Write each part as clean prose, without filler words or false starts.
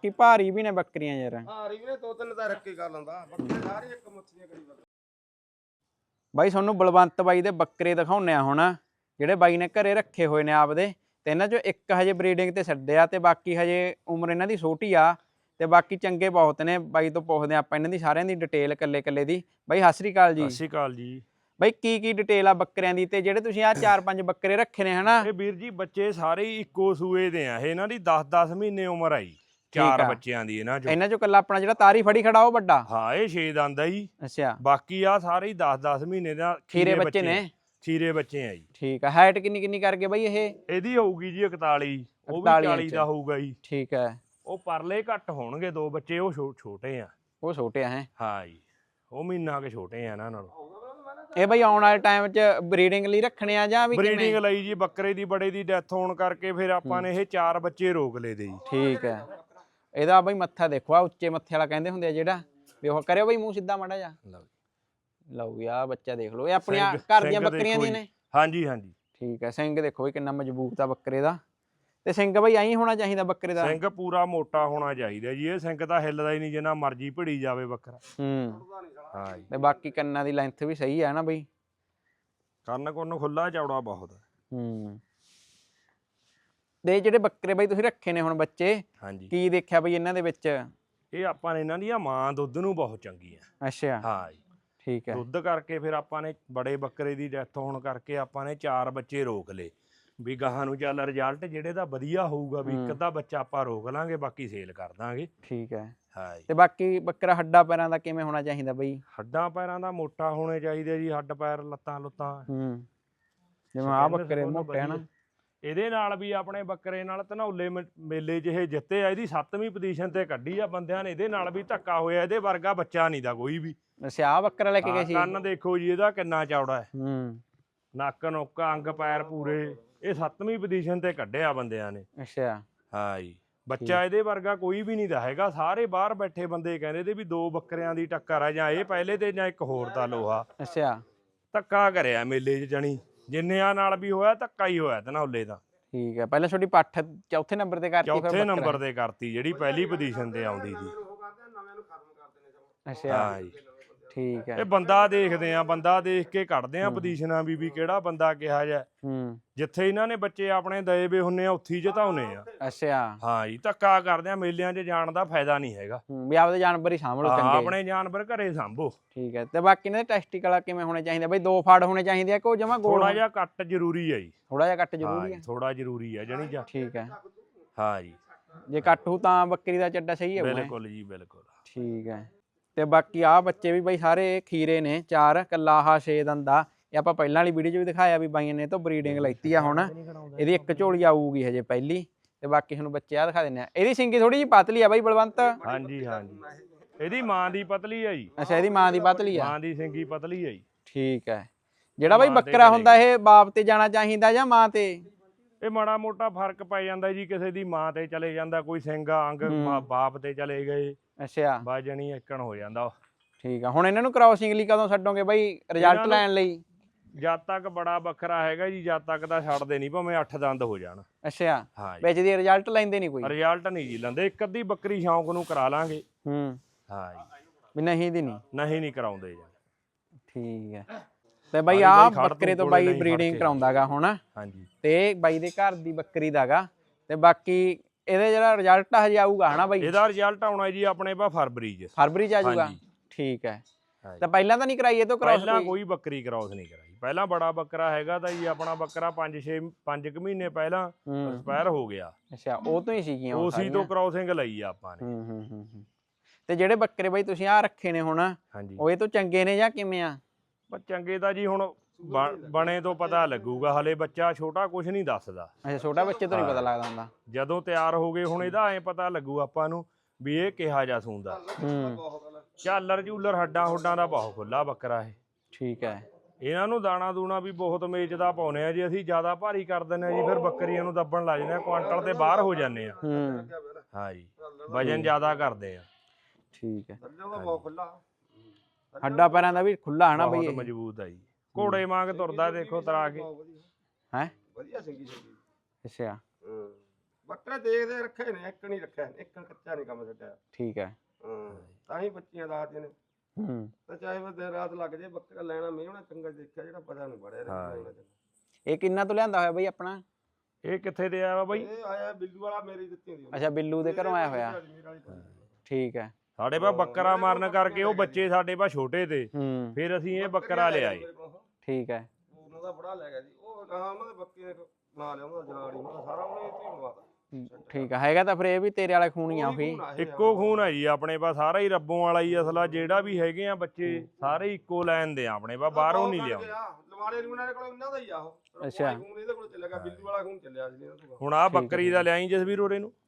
ਬਾਕੀ ਭਾਰੀ ਵੀ ਨੇ ਬੱਕਰੀਆਂ ਯਾਰ। ਭਾਰੀ ਵੀ ਨੇ, 2-3 ਤਾਂ ਰੱਖੇ ਕਰ ਲੈਂਦਾ, ਬੱਕਰੇ ਸਾਰੇ ਇੱਕ ਮੁੱਛੀਆਂ ਕਰੀ ਫਿਰਦੇ। ਬਾਈ ਤੁਹਾਨੂੰ ਬਲਵੰਤ ਬਾਈ ਦੇ ਬੱਕਰੇ ਦਿਖਾਉਣੇ ਆ ਹੁਣ, ਜਿਹੜੇ ਬਾਈ ਨੇ ਘਰੇ ਰੱਖੇ ਹੋਏ ਨੇ ਆਪਦੇ, ਤੇ ਇਹਨਾਂ ਚੋਂ ਇੱਕ ਹਜੇ ਬਰੀਡਿੰਗ ਤੇ ਛੱਡਿਆ ਤੇ ਬਾਕੀ ਹਜੇ ਉਮਰ ਇਹਨਾਂ ਦੀ ਛੋਟੀ ਆ, ਤੇ ਬਾਕੀ ਚੰਗੇ ਬਹੁਤ ਨੇ। ਬਾਈ ਤੋਂ ਪੁੱਛਦੇ ਆਪਾਂ ਇਹਨਾਂ ਦੀ ਸਾਰਿਆਂ ਦੀ ਡਿਟੇਲ ਕੱਲੇ ਦੀ। ਬਾਈ ਸਤਿ ਸ੍ਰੀ ਅਕਾਲ ਜੀ। ਸਤਿ ਸ਼੍ਰੀ ਅਕਾਲ ਜੀ। ਬਾਈ ਕੀ ਡਿਟੇਲ ਆ ਬੱਕਰਿਆਂ ਦੀ, ਤੇ ਜਿਹੜੇ ਤੁਸੀਂ ਆ 4-5 ਬੱਕਰੇ ਰੱਖੇ ਨੇ ਹਨਾ? ਇਹ ਵੀਰ ਜੀ ਬੱਚੇ ਸਾਰੇ ਹੀ ਇੱਕੋ ਸੂਏ ਦੇ ਆ, ਇਹਨਾਂ ਦੀ 10-10 ਮਹੀਨੇ ਉਮਰ ਆਈ, 4 ਬੱਚਿਆਂ ਦੀ ਇਹਨਾਂ ਚੋਂ ਕੱਲਾ ਆਪਣਾ ਜਿਹੜਾ ਤਾਰੀ ਫੜੀ ਖੜਾ ਉਹ ਵੱਡਾ? ਹਾਂ, ਇਹ 6 ਦੰਦ ਆ ਜੀ। ਅੱਛਾ, ਬਾਕੀ ਆ ਸਾਰੇ ਹੀ 10-10 ਮਹੀਨੇ ਦਾ ਖੀਰੇ ਬੱਚੇ ਨੇ। ਖੀਰੇ ਬੱਚੇ ਆ ਜੀ। ਠੀਕ ਆ। ਹਾਈਟ ਕਿੰਨੀ ਕਰਕੇ ਬਾਈ ਇਹ? ਇਹਦੀ ਹੋਊਗੀ ਜੀ 41, ਉਹ ਵੀ 40 ਦਾ ਹੋਊਗਾ ਜੀ। ਠੀਕ ਹੈ। ਉਹ ਪਰਲੇ ਘੱਟ ਹੋਣਗੇ, 2 ਬੱਚੇ ਉਹ ਛੋਟੇ ਆ। ਉਹ ਛੋਟੇ ਆ ਹੈ? ਹਾਂ ਜੀ, ਉਹ ਮਹੀਨਾ ਕੇ ਛੋਟੇ ਆ ਇਹਨਾਂ ਨਾਲੋਂ। ਇਹ ਬਾਈ ਆਉਣ ਵਾਲੇ ਟਾਈਮ 'ਚ ਬਰੀਡਿੰਗ ਲਈ ਰੱਖਣੇ ਆ ਜਾਂ ਵੀ ਬਰੀਡਿੰਗ ਲਈ ਜੀ? ਬੱਕਰੇ ਦੀ ਬੜੇ ਦੀ ਡੈਥ ਹੋਣ ਕਰਕੇ ਫਿਰ ਆਪਾਂ ਨੇ ਇਹ 4 ਬੱਚੇ ਰੋਕ ਲਏ ਦੇ ਜੀ। ਠੀਕ ਹੈ। ਇਹਦਾ ਬਾਈ ਮੱਥਾ ਦੇਖੋ, ਆ ਉੱਚੇ ਮੱਥੇ ਵਾਲਾ ਕਹਿੰਦੇ ਹੁੰਦੇ ਆ ਜਿਹੜਾ, ਵੀ ਉਹ ਕਰਿਓ ਬਾਈ ਮੂੰਹ ਸਿੱਧਾ ਮਾੜਾ ਜਾ। ਲਓ ਵੀ ਆ ਬੱਚਾ ਦੇਖ ਲਓ, ਇਹ ਆਪਣੀਆਂ ਘਰ ਦੀਆਂ ਬੱਕਰੀਆਂ ਦੀਆਂ ਨੇ? ਹਾਂਜੀ ਹਾਂਜੀ। ਠੀਕ ਹੈ। ਸਿੰਘ ਦੇਖੋ ਵੀ ਕਿੰਨਾ ਮਜ਼ਬੂਤ ਆ ਬੱਕਰੇ ਦਾ, ਤੇ ਸਿੰਘ ਬਾਈ ਐਂ ਹੋਣਾ ਚਾਹੀਦਾ ਬੱਕਰੇ ਦਾ? ਸਿੰਘ ਪੂਰਾ ਮੋਟਾ ਹੋਣਾ ਚਾਹੀਦਾ ਜੀ। ਇਹ ਸਿੰਘ ਤਾਂ ਹਿੱਲਦਾ ਹੀ ਨਹੀਂ, ਜਿੰਨਾ ਮਰਜੀ ਭਿੜੀ ਜਾਵੇ ਬੱਕਰਾ। ਹਾਂ ਜੀ। ਤੇ ਬਾਕੀ ਕੰਨਾਂ ਦੀ ਲੈਂਥ ਵੀ ਸਹੀ ਹੈ ਨਾ ਬਈ? ਕੰਨ ਕੁੰਨ ਖੁੱਲਾ ਚੌੜਾ ਬਹੁਤ। ਤੇ ਜਿਹੜੇ ਬੱਕਰੇ ਬਾਈ ਤੁਸੀਂ ਰੱਖੇ ਨੇ ਹੁਣ ਬੱਚੇ, ਹਾਂਜੀ, ਕੀ ਦੇਖਿਆ ਬਈ ਇਹਨਾਂ ਦੇ ਵਿੱਚ? ਇਹ ਆਪਾਂ ਨੇ ਇਹਨਾਂ ਦੀਆਂ ਮਾਂ ਦੁੱਧ ਨੂੰ ਬਹੁਤ ਚੰਗੀ ਆ। ਅੱਛਾ, ਹਾਂ ਜੀ। ਠੀਕ ਹੈ। ਦੁੱਧ ਕਰਕੇ ਫਿਰ ਆਪਾਂ ਨੇ ਬੜੇ ਬੱਕਰੇ ਦੀ ਡੈਥ ਹੋਣ ਕਰਕੇ ਆਪਾਂ ਨੇ 4 ਬੱਚੇ ਰੋਕ ਲਏ, ਵੀ ਗਾਹਾਂ ਨੂੰ ਚੱਲ ਰਿਜ਼ਲਟ ਜਿਹੜੇ ਦਾ ਵਧੀਆ ਹੋਊਗਾ, ਵੀ ਇੱਕ ਅੱਧਾ ਬੱਚਾ ਆਪਾਂ ਰੋਕ ਲਾਂਗੇ, ਬਾਕੀ ਸੇਲ ਕਰ ਦਾਂਗੇ। ਠੀਕ ਹੈ। ਹਾਂ ਜੀ। ਤੇ ਬਾਕੀ ਬੱਕਰਾ ਹੱਡਾਂ ਪੈਰਾਂ ਦਾ ਕਿਵੇਂ ਹੋਣਾ ਚਾਹੀਦਾ ਬਈ? ਹੱਡਾਂ ਪੈਰਾਂ ਦਾ ਮੋਟਾ ਹੋਣੇ ਚਾਹੀਦੇ ਜੀ, ਹੱਡ ਪੈਰ ਲੱਤਾਂ ਲੁੱਤਾਂ। ਜਿਵੇਂ ਆ ਬੱਕਰੇ ਮੋਟੇ ਹਨ। ਇਹਦੇ ਨਾਲ ਵੀ ਆਪਣੇ ਬੱਕਰੇ ਨਾਲ ਧਨੌਲੇ ਮੇਲੇ 'ਚ ਇਹ ਜਿੱਤੇ ਆ, ਇਹਦੀ 7ਵੀਂ ਪੋਜੀਸ਼ਨ ਤੇ ਕੱਢੀ ਆ ਬੰਦਿਆਂ ਨੇ। ਇਹਦੇ ਨਾਲ ਵੀ ਧੱਕਾ ਹੋਇਆ, ਇਹਦੇ ਵਰਗਾ ਬੱਚਾ ਨਹੀਂ ਦਾ ਕੋਈ ਵੀ। ਅੱਛਾ, ਆ ਬੱਕਰਾ ਲੈ ਕੇ ਗਏ ਸੀ? ਕੰਨ ਦੇਖੋ ਜੀ ਇਹਦਾ ਕਿੰਨਾ ਚੌੜਾ ਹੈ, ਨੱਕ ਨੁੱਕ ਅੰਗ ਪੈਰ ਪੂਰੇ। ਇਹ 7ਵੀਂ ਪੋਜੀਸ਼ਨ ਤੇ ਕੱਢਿਆ ਬੰਦਿਆਂ ਨੇ। ਅੱਛਾ, ਹਾਂ ਜੀ। ਬੱਚਾ ਇਹਦੇ ਵਰਗਾ ਕੋਈ ਵੀ ਨਹੀਂ ਦਾ ਹੈਗਾ। ਸਾਰੇ ਬਾਹਰ ਬੈਠੇ ਬੰਦੇ ਕਹਿੰਦੇ ਤੇ ਵੀ 2 ਬੱਕਰਿਆਂ ਦੀ ਟੱਕਰ ਆ, ਜਾਂ ਇਹ ਪਹਿਲੇ ਤੇ ਜਾਂ ਇੱਕ ਹੋਰ ਦਾ ਲੋਹਾ। ਅੱਛਾ, ਧੱਕਾ ਕਰਿਆ ਮੇਲੇ 'ਚ, ਜਣੀ ਜਿੰਨਿਆਂ ਨਾਲ ਵੀ ਹੋਇਆ ਧੱਕਾ ਹੀ ਹੋਇਆ ਧਨੌਲੇ ਦਾ। ਠੀਕ ਹੈ। ਪਹਿਲਾਂ ਛੋਟੀ ਪੱਠ ਚੌਥੇ ਨੰਬਰ ਤੇ ਕਰਤੀ? ਚੌਥੇ ਨੰਬਰ ਤੇ ਕਰਤੀ, ਜਿਹੜੀ ਪਹਿਲੀ ਪੋਜੀਸ਼ਨ ਤੇ ਆਉਂਦੀ ਸੀ। ਅੱਛਾ, ਹਾਂ ਜੀ। ਠੀਕ ਹੈ। ਇਹ ਬੰਦਾ ਦੇਖਦੇ ਆ, ਬੰਦਾ ਦੇਖ ਕੇ ਕੱਢਦੇ ਆ ਪੋਜੀਸ਼ਨਾਂ ਵੀ ਕਿਹੜਾ ਬੰਦਾ ਕਿਹਾ ਜਾ। ਜਿੱਥੇ ਇਹਨਾਂ ਨੇ ਬੱਚੇ ਆਪਣੇ ਦਏ ਵੇ ਹੁੰਨੇ ਆ, ਉੱਥੇ ਹੀ ਜਿਤਾਉਨੇ ਆ। ਅੱਛਾ, ਹਾਂ ਜੀ। ਧੱਕਾ ਕਰਦੇ ਆ, ਮੇਲਿਆਂ 'ਚ ਜਾਣ ਦਾ ਫਾਇਦਾ ਨਹੀਂ ਹੈਗਾ। ਵੀ ਆਪਦੇ ਜਾਨਵਰ ਹੀ ਸਾਂਭ ਲਓ ਚੰਗੇ। ਆਪਣੇ ਜਾਨਵਰ ਘਰੇ ਸਾਂਭੋ। ਠੀਕ ਹੈ। ਤੇ ਬਾਕੀ ਇਹਨਾਂ ਦੇ ਟੈਸਟੀਕਲ ਕਿਵੇਂ ਹੋਣੇ ਚਾਹੀਦੇ ਬਈ? 2 ਫਾੜ ਹੋਣੇ ਚਾਹੀਦੇ ਆ ਕਿ ਜਮਾ ਗੋਲ? ਥੋੜਾ ਜਿਹਾ ਕੱਟ ਜ਼ਰੂਰੀ ਹੈ ਜੀ। ਥੋੜਾ ਜਿਹਾ ਕੱਟ ਜ਼ਰੂਰੀ ਹੈ? ਥੋੜਾ ਜ਼ਰੂਰੀ ਹੈ ਜਣੀ ਜਾ। ਠੀਕ ਹੈ। ਹਾਂ ਜੀ। ਜੇ ਕੱਟ ਹੋ ਤਾਂ ਬੱਕਰੀ ਦਾ ਚੱਡਾ ਸਹੀ ਹੈ? ਬਿਲਕੁਲ ਜੀ, ਬਿਲਕੁਲ। ਠੀਕ ਹੈ। ਤੇ ਬਾਕੀ ਆ ਬੱਚੇ ਵੀ ਬਾਈ ਸਾਰੇ ਖੀਰੇ ਨੇ 4, ਕੱਲਾ ਆਹ 6 ਦੰਦਾ। ਇਹ ਆਪਾਂ ਪਹਿਲਾਂ ਵਾਲੀ ਵੀਡੀਓ 'ਚ ਵੀ ਦਿਖਾਇਆ ਵੀ ਬਾਈਆਂ ਨੇ ਤੋਂ ਬਰੀਡਿੰਗ ਲੈਤੀ ਆ। ਹੁਣ ਇਹਦੀ ਇੱਕ ਝੋਲੀ ਆਊਗੀ ਹਜੇ ਪਹਿਲੀ, ਤੇ ਬਾਕੀ ਤੁਹਾਨੂੰ ਬੱਚੇ ਆ ਦਿਖਾ ਦਿੰਦੇ ਆ। ਇਹਦੀ ਸਿੰਗੀ ਥੋੜੀ ਜਿਹੀ ਪਤਲੀ ਆ ਬਾਈ ਬਲਵੰਤ? ਹਾਂਜੀ ਹਾਂਜੀ। ਇਹਦੀ ਮਾਂ ਦੀ ਪਤਲੀ ਆ ਜੀ। ਅੱਛਾ, ਇਹਦੀ ਮਾਂ ਦੀ ਪਤਲੀ ਆ? ਮਾਂ ਦੀ ਸਿੰਗੀ ਪਤਲੀ ਆ ਜੀ। ਠੀਕ ਹੈ। ਜਿਹੜਾ ਬਾਈ ਬੱਕਰਾ ਹੁੰਦਾ ਇਹ ਬਾਪ ਤੇ ਜਾਣਾ ਚਾਹੀਦਾ ਜਾਂ ਮਾਂ ਤੇ? ਇਹ ਮਾੜਾ ਮੋਟਾ ਫਰਕ ਪੈ ਜਾਂਦਾ ਜੀ, ਕਿਸੇ ਦੀ ਮਾਂ ਤੇ ਚਲੇ ਜਾਂਦਾ, ਕੋਈ ਸਿੰਘਾ ਅੰਗ ਬਾਪ ਤੇ ਚਲੇ ਗਏ। ਅੱਛਾ, ਬਾਜਣੀ ਇੱਕਣ ਹੋ ਜਾਂਦਾ। ਠੀਕ ਆ। ਹੁਣ ਇਹਨਾਂ ਨੂੰ ਕ੍ਰਾਸਿੰਗ ਲਈ ਕਦੋਂ ਛੱਡੋਗੇ ਬਾਈ, ਰਿਜ਼ਲਟ ਲੈਣ ਲਈ? ਜਦ ਤੱਕ ਬੜਾ ਬੱਕਰਾ ਹੈਗਾ ਜੀ, ਜਦ ਤੱਕ ਤਾਂ ਛੱਡਦੇ ਨਹੀਂ, ਭਾਵੇਂ 8 ਦੰਦ ਹੋ ਜਾਣ। ਅੱਛਾ, ਹਾਂ। ਵਿੱਚ ਦੀ ਰਿਜ਼ਲਟ ਲੈਂਦੇ ਨਹੀਂ ਕੋਈ? ਰਿਜ਼ਲਟ ਨਹੀਂ ਜੀ ਲੈਂਦੇ, ਇੱਕ ਅੱਧੀ ਬੱਕਰੀ ਸ਼ੌਂਕ ਨੂੰ ਕਰਾ ਲਾਂਗੇ। ਹਾਂ ਜੀ। ਵੀ ਨਹੀਂ ਦੀ ਨਹੀਂ? ਨਹੀਂ ਕਰਾਉਂਦੇ ਜੀ। ਠੀਕ ਹੈ। ਤੇ ਬਾਈ ਆ ਬੱਕਰੇ ਤੋਂ ਬਾਈ ਬਰੀਡਿੰਗ ਕਰਾਉਂਦਾਗਾ ਹੁਣ? ਹਾਂਜੀ। ਤੇ ਬਾਈ ਦੇ ਘਰ ਦੀ ਬੱਕਰੀ ਦਾਗਾ, ਤੇ ਬਾਕੀ ਇਹਦੇ ਜਿਹੜਾ ਰਿਜ਼ਲਟ ਹਜੇ ਆਊਗਾ ਹਨਾ ਬਾਈ? ਇਹਦਾ ਰਿਜ਼ਲਟ ਆਉਣਾ ਜੀ ਆਪਣੇ ਪਾ ਫਰਵਰੀ 'ਚ। ਫਰਵਰੀ 'ਚ ਆ ਜਾਊਗਾ? ਠੀਕ ਹੈ। ਤਾਂ ਪਹਿਲਾਂ ਤਾਂ ਨਹੀਂ ਕਰਾਈ ਇਹ ਤੋਂ ਕ੍ਰਾਸ? ਪਹਿਲਾਂ ਕੋਈ ਬੱਕਰੀ ਕ੍ਰਾਸ ਨਹੀਂ ਕਰਾਈ। ਪਹਿਲਾਂ ਬੜਾ ਬੱਕਰਾ ਹੈਗਾ ਤਾਂ ਜੀ ਆਪਣਾ ਬੱਕਰਾ 5 ਮਹੀਨੇ ਪਹਿਲਾਂ ਐਕਸਪਾਇਰ ਹੋ ਗਿਆ। ਅੱਛਾ, ਉਹ ਤੋਂ ਹੀ ਸੀਗੀਆਂ? ਉਸੇ ਤੋਂ ਕ੍ਰਾਸਿੰਗ ਲਈ ਆ ਆਪਾਂ ਨੇ। ਤੇ ਜਿਹੜੇ ਬੱਕਰੇ ਬਾਈ ਤੁਸੀਂ ਆ ਰੱਖੇ ਨੇ ਹੁਣ, ਉਹ ਇਹ ਤੋਂ ਚੰਗੇ ਨੇ ਜਾਂ ਕਿਵੇਂ ਆ? ਚੰਗੇ ਤਾਂ ਜੀ ਹੁਣ ਬਣੇ ਤੋਂ ਪਤਾ ਲੱਗੂਗਾ, ਹਲੇ ਬੱਚਾ ਛੋਟਾ ਕੁਝ ਨਹੀਂ ਦੱਸਦਾ। ਅੱਛਾ, ਛੋਟਾ ਬੱਚੇ ਤੋਂ ਨਹੀਂ ਪਤਾ ਲੱਗਦਾ ਹੁੰਦਾ? ਜਦੋਂ ਤਿਆਰ ਹੋ ਗਏ ਹੁਣ ਇਹਦਾ ਐ ਪਤਾ ਲੱਗੂ ਆਪਾਂ ਨੂੰ ਵੀ ਇਹ ਕਿਹਾ ਜਾ ਸੂੰਦਾ। ਝਾਲਰ ਝੂਲਰ ਹੱਡਾਂ ਹੁੱਡਾਂ ਦਾ ਬਹੁਤ ਖੁੱਲਾ ਬੱਕਰਾ ਇਹ। ਠੀਕ ਹੈ। ਇਹਨਾਂ ਨੂੰ ਦਾਣਾ ਦੂਣਾ ਵੀ ਬਹੁਤ ਮੇਚਦਾ ਪਾਉਨੇ ਆ ਜੀ ਅਸੀਂ, ਜ਼ਿਆਦਾ ਭਾਰੀ ਕਰ ਦਿੰਦੇ ਆ ਜੀ, ਫਿਰ ਬੱਕਰੀਆਂ ਨੂੰ ਦੱਬਣ ਲੱਗ ਜਾਂਦੇ ਆ, ਕੁਆਂਟਲ ਤੇ ਬਾਹਰ ਹੋ ਜਾਂਦੇ ਆ। ਹਾਂ ਜੀ, ਵਜਨ ਜ਼ਿਆਦਾ ਕਰਦੇ ਆ। ਠੀਕ ਹੈ। ਹੱਡਾਂ ਪੈਰਾਂ ਦਾ ਵੀ ਖੁੱਲਾ ਹਨਾ ਬਈ? ਬਹੁਤ ਮਜ਼ਬੂਤ ਆ ਜੀ, ਘੋੜੇ ਵਾਂਗ ਤੁਰਦਾ, ਦੇਖੋ ਤਰਾ ਕੇ। ਹੈ? ਵਧੀਆ ਸਿੰਗੀ ਸਿੰਗੀ। ਅੱਛਾ, ਬੱਕਰੇ ਦੇਖਦੇ ਰੱਖੇ ਨੇ, ਇੱਕ ਨਹੀਂ ਰੱਖਿਆ, ਇੱਕ ਕੱਚਾ ਨਹੀਂ ਕੰਮ ਛੱਡਿਆ। ਠੀਕ ਹੈ। ਹਾਂ ਤਾਂ ਹੀ ਬੱਚੀਆਂ ਦਾਦੀਆਂ ਨੇ, ਹੂੰ ਤੇ ਚਾਹੇ ਉਹ ਦਿਨ ਰਾਤ ਲੱਗ ਜੇ ਬੱਕਰਾ ਲੈਣਾ ਮੇਵਣਾ ਚੰਗਾ ਦੇਖਿਆ ਜਿਹੜਾ ਪਤਾ ਨਹੀਂ ਬੜਿਆ ਹਾਂ। ਇਹ ਕਿੰਨਾ ਤੋਂ ਲਿਆਂਦਾ ਹੋਇਆ ਬਈ ਆਪਣਾ? ਇਹ ਕਿੱਥੇ ਦੇ ਆਇਆ ਵਾ ਬਾਈ? ਇਹ ਆਇਆ ਬਿੱਲੂ ਵਾਲਾ, ਮੇਰੀ ਦਿੱਤੀ ਹੁੰਦੀ ਅੱਛਾ ਬਿੱਲੂ ਦੇ ਘਰੋਂ ਆਇਆ ਹੋਇਆ। ਠੀਕ ਹੈ। ਸਾਡੇ ਪਾ ਬੱਕਰਾ ਮਾਰਨ ਕਰਕੇ ਉਹ ਬੱਚੇ ਸਾਡੇ ਪਾ ਛੋਟੇ ਤੇ, ਹੂੰ ਫਿਰ ਅਸੀਂ ਇਹ ਬੱਕਰਾ ਲਿਆਏ। ਠੀਕ ਹੈ। ਉਹਨਾਂ ਦਾ ਬੜਾ ਲੈ ਗਿਆ ਜੀ ਉਹ, ਨਾ ਉਹਨਾਂ ਦੇ ਬੱਕੇ ਨਾ ਲਿਆ, ਉਹਨਾਂ ਦਾ ਜਨਾੜੀ ਉਹਨਾਂ ਦਾ ਸਾਰਾ ਉਹਨੇ ਇੱਥੇ ਹੀ ਲਵਾਤਾ। ਠੀਕ ਹੈ। ਹੈਗਾ ਤਾਂ ਫਿਰ ਇਹ ਵੀ ਤੇਰੇ ਵਾਲਾ ਖੂਨ ਹੀ ਆ ਉਹੀ। ਇੱਕੋ ਖੂਨ ਹੈ ਜੀ ਆਪਣੇ ਪਾ, ਸਾਰਾ ਹੀ ਰੱਬੋਂ ਵਾਲਾ ਹੀ ਅਸਲਾ। ਜਿਹੜਾ ਵੀ ਹੈਗੇ ਆ ਬੱਚੇ ਸਾਰੇ ਇੱਕੋ ਲਾਈਨ ਦੇ ਆ ਆਪਣੇ ਪਾ, ਬਾਹਰੋਂ ਨਹੀਂ ਲਿਆਉਂਦੇ। ਲਵਾੜੇ ਰੂਣਾ ਦੇ ਕੋਲ ਇਹਨਾਂ ਦਾ ਹੀ ਆ ਉਹ। ਅੱਛਾ। ਖੂਨ ਇਹਦੇ ਕੋਲ ਚੱਲੇਗਾ, ਬਿੱਲੂ ਵਾਲਾ ਖੂਨ ਚੱਲਿਆ ਸੀ ਇਹਨਾਂ ਤੋਂ। ਹੁਣ ਆ ਬੱਕਰੀ ਦਾ ਲਿਆਈ ਜਸਵੀਰ ਹੋਰੇ ਨੂੰ।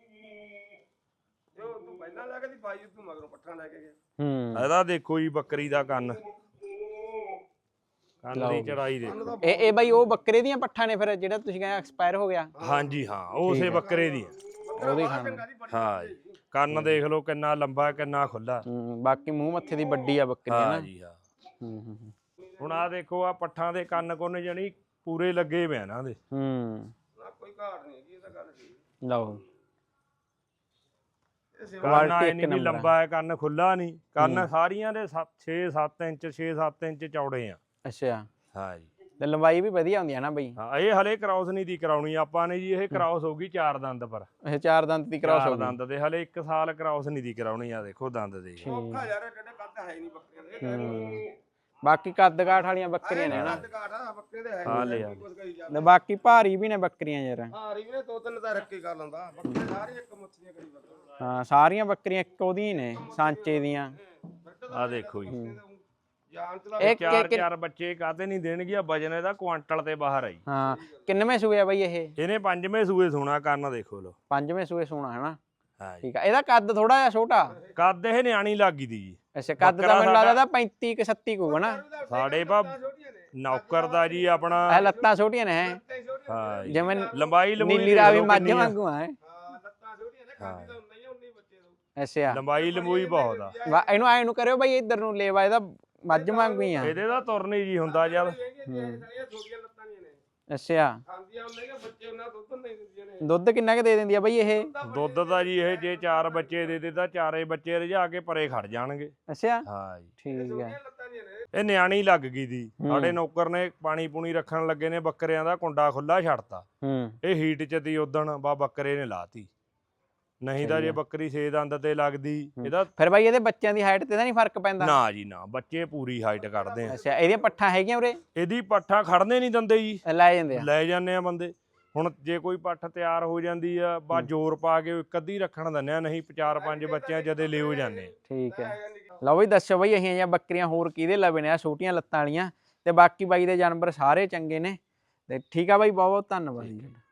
ਜੋ ਤੂੰ ਪਹਿਲਾਂ ਲੈ ਕੇ ਦੀ ਬਾਈ ਤੂੰ ਮਗਰੋਂ ਪੱਠਾ ਲੈ ਕੇ ਗਿਆ। ਹੂੰ ਇਹਦਾ ਦੇਖੋ ਜੀ ਬੱਕਰੀ ਦਾ ਕੰਨ, ਕੰਨ ਦੀ ਚੜਾਈ ਦੇ। ਇਹ ਬਈ ਉਹ ਬੱਕਰੇ ਦੀਆਂ ਪੱਠਾਂ ਨੇ ਫਿਰ ਜਿਹੜਾ ਤੁਸੀਂ ਕਹਿੰਦੇ ਐਕਸਪਾਇਰ ਹੋ ਗਿਆ? ਹਾਂਜੀ ਹਾਂ, ਉਸੇ ਬੱਕਰੇ ਦੀ। ਉਹਦੀ ਖਾਣ। ਹਾਂ ਜੀ, ਕੰਨ ਦੇਖ ਲਓ ਕਿੰਨਾ ਲੰਬਾ ਕਿੰਨਾ ਖੁੱਲਾ। ਬਾਕੀ ਮੂੰਹ ਮੱਥੇ ਦੀ ਵੱਡੀ ਆ ਬੱਕਰੀ ਹਾਂ ਨਾ। ਜੀ ਹਾਂ। ਹੂੰ ਹੁਣ ਆ ਦੇਖੋ ਆ ਪੱਠਾਂ ਦੇ ਕੰਨ ਕੁੰਨ ਜਣੀ ਪੂਰੇ ਲੱਗੇ ਪਏ ਇਹਨਾਂ ਦੇ। ਹੂੰ ਨਾ ਕੋਈ ਘਾਟ ਨਹੀਂ ਹੈਗੀ, ਇਹ ਤਾਂ ਗੱਲ ਠੀਕ। ਲਓ ਕੰਨ ਆਏ ਨਹੀਂ ਵੀ ਲੰਬਾ ਹੈ, ਕੰਨ ਖੁੱਲਾ ਨਹੀਂ। ਕੰਨ ਸਾਰੀਆਂ ਦੇ 6-7 ਇੰਚ 6-7 ਇੰਚ ਚੌੜੇ ਆ। ਅੱਛਾ। ਹਾਂ ਜੀ। ਤੇ ਲੰਬਾਈ ਵੀ ਵਧੀਆ ਹੁੰਦੀ ਆ ਨਾ ਬਈ? ਹਾਂ ਇਹ ਹਲੇ ਕ੍ਰਾਸ ਨਹੀਂ ਦੀ ਕਰਾਉਣੀ ਆਪਾਂ ਨੇ ਜੀ, ਇਹ ਕ੍ਰਾਸ ਹੋਊਗੀ 4 ਦੰਦ ਪਰ। ਇਹ 4 ਦੰਦ ਦੀ ਕ੍ਰਾਸ ਹੋ 4 ਗਈ। ਦੰਦ ਦੇ ਹਲੇ 1 ਸਾਲ ਕ੍ਰਾਸ ਨਹੀਂ ਦੀ ਕਰਾਉਣੀ। ਆ ਦੇਖੋ ਦੰਦ ਦੇ। ਔਖਾ ਯਾਰ, ਕਿਹੜੇ ਕੱਦ ਹੈ ਨਹੀਂ ਬੱਕਰੀਆਂ ਦੇ। ਬਾਕੀ ਕੱਦ ਕਾਠ ਵਾਲੀਆਂ ਬੱਕਰੀਆਂ ਨੇ ਨਾ। ਕੱਦ ਕਾਠ ਆ ਬੱਕਰੇ ਦੇ ਹੈ ਹਾਂ ਲੈ ਨਹੀਂ ਕੁਝ ਕਰੀ ਜਾ। ਤੇ ਬਾਕੀ ਭਾਰੀ ਵੀ ਨੇ ਬੱਕਰੀਆਂ ਯਾਰ। ਹਾਂ ਰੀ ਨੇ 2-3 ਤਾਂ ਰੱਖੇ ਕਰ ਲੈਂਦਾ, ਬੱਕਰੇ ਸਾਰੇ ਇੱਕ ਮੁੱਛੀਆਂ ਕਰੀ ਬੱਕਰੇ। ਹਾਂ ਸਾਰੀਆਂ ਬੱਕਰੀਆਂ ਇੱਕੋ ਦੀਆਂ ਨੇ, ਸਾਂਚੇ ਦੀਆਂ। ਆ ਦੇਖੋ ਜੀ, ਜਾਨ ਚਲਾ ਇਹ 4 ਬੱਚੇ ਕਾਤੇ ਨਹੀਂ ਦੇਣਗੇ। ਵਜਨ ਇਹਦਾ ਕੁਆਂਟਲ ਤੇ ਬਾਹਰ ਆਈ। ਹਾਂ ਕਿੰਨਵੇਂ ਸੂਏ ਆ ਬਈ ਇਹ? ਇਹਨੇ 5ਵੇਂ ਸੂਏ ਸੋਣਾ। ਕੰਨ ਦੇਖੋ ਲੋ। 5ਵੇਂ ਸੂਏ ਸੋਣਾ ਹੈ ਨਾ। ਹਾਂ ਜੀ। ਠੀਕ ਆ। ਇਹਦਾ ਕੱਦ ਥੋੜਾ ਜਿਹਾ ਛੋਟਾ। ਕੱਦ ਇਹ ਨਿਆਣੀ ਲੱਗੀ ਦੀ ਜੀ। ਅੱਛਾ ਕੱਦ ਤਾਂ ਮੈਨੂੰ ਲੱਗਦਾ ਇਹਦਾ 35 ਕਿ 37 ਹੋਊਗਾ ਨਾ। ਸਾਡੇ ਪਾ ਨੌਕਰ ਦਾ ਜੀ ਆਪਣਾ। ਇਹ ਲੱਤਾਂ ਛੋਟੀਆਂ ਨੇ ਹੈ। ਹਾਂ ਜੀ। ਜਿਵੇਂ ਲੰਬਾਈ ਨੀਲੀ ਰਾਵੀ ਮੱਝ ਵਾਂਗੂ ਹੈ। ਹਾਂ ਲੱਤਾਂ ਛੋਟੀਆਂ ਨੇ, ਖਾਂਦੀ ਤਾਂ ਨਹੀਂ ਉਨੀ ਬੱਚੇ ਤੋਂ। ਅੱਛਾ ਲੰਬਾਈ ਲੰਬੂਈ ਬਹੁਤ ਆ। ਇਹਨੂੰ ਐ ਨੂੰ ਕਰਿਓ ਬਈ ਇੱਧਰ ਨੂੰ ਲੇਵਾ ਇਹਦਾ ਮੱਝ ਵਾਂਗੂ ਹੀ ਆ। ਇਹਦੇ ਦਾ ਤੁਰ ਨਹੀਂ ਜੀ ਹੁੰਦਾ ਜਦ। ਸਾਰੀਆਂ ਛੋਟੀਆਂ ਲੱਤਾਂ ਦੀਆਂ ਨੇ, ਅੱਛਾ ਖਾਂਦੀਆਂ ਹੁੰਦੀਆਂ ਨੇ ਬੱਚੇ, ਉਹਨਾਂ ਦੁੱਧ ਨਹੀਂ ਦਿੰਦੀਆਂ ਨੇ। ਦੁੱਧ ਕਿੰਨਾ ਕੁ ਦੇ ਦਿੰਦੀ ਆ ਬਈ ਇਹ? ਦੁੱਧ ਦਾ ਜੀ ਇਹ ਜੇ 4 ਬੱਚੇ ਦੇ ਤਾਂ 4 ਬੱਚੇ ਰਜਾ ਕੇ ਪਰੇ ਖੜ ਜਾਣਗੇ। ਅੱਛਾ ਹਾਂ ਜੀ। ਠੀਕ ਹੈ। ਲੱਤਾਂ ਦੀਆਂ ਨੇ। ਇਹ ਨਿਆਣੀ ਲੱਗ ਗਈ ਦੀ। ਸਾਡੇ ਨੌਕਰ ਨੇ ਪਾਣੀ ਪੂਣੀ ਰੱਖਣ ਲੱਗੇ ਨੇ, ਬੱਕਰਿਆਂ ਦਾ ਕੁੰਡਾ ਖੁੱਲਾ ਛੱਡਤਾ। ਇਹ ਹੀਟ ਚ ਦੀ ਉਦਣ ਬਾ ਬੱਕਰੇ ਨੇ ਲਾਤੀ। ਨਹੀਂ ਤਾਂ ਜੇ ਬੱਕਰੀ 6 ਦੰਦ ਤੇ ਲੱਗਦੀ ਇਹਦਾ। ਫਿਰ ਬਾਈ ਇਹਦੇ ਬੱਚਿਆਂ ਦੀ ਹਾਈਟ ਤੇ ਤਾਂ ਨਹੀਂ ਫਰਕ ਪੈਂਦਾ? ਨਾ ਜੀ ਨਾ, ਬੱਚੇ ਪੂਰੀ ਹਾਈਟ ਕੱਢਦੇ ਆ। ਅੱਛਾ ਇਹਦੀਆਂ ਪੱਠਾਂ ਹੈਗੀਆਂ ਉਰੇ? ਇਹਦੀ ਪੱਠਾਂ ਖੜਨੇ ਨਹੀਂ ਦਿੰਦੇ ਜੀ, ਲੈ ਜਾਂਦੇ ਆ? ਲੈ ਜਾਂਦੇ ਆ ਬੰਦੇ। ਹੁਣ ਜੇ ਕੋਈ ਪੱਠ ਤਿਆਰ ਹੋ ਜਾਂਦੀ ਆ ਬਾ ਜ਼ੋਰ ਪਾ ਕੇ ਇੱਕ ਅੱਧੀ ਰੱਖਣ ਦਿੰਦੇ ਆ, ਨਹੀਂ 4-5 ਬੱਚਿਆਂ ਜਦੇ ਲਿਓ ਜਾਂਦੇ। ਠੀਕ ਹੈ। ਲਓ ਬਈ ਦੱਸੋ ਬਈ ਅਸੀਂ ਜਾਂ ਬੱਕਰੀਆਂ ਹੋਰ ਕਿਹਦੇ ਲਵੇ ਨੇ ਆ ਛੋਟੀਆਂ ਲੱਤਾਂ ਵਾਲੀਆਂ? ਤੇ ਬਾਕੀ ਬਾਈ ਦੇ ਜਾਨਵਰ ਸਾਰੇ ਚੰਗੇ ਨੇ। ਤੇ ਠੀਕ ਆ ਬਾਈ, ਬਹੁਤ ਬਹੁਤ ਧੰਨਵਾਦ ਜੀ।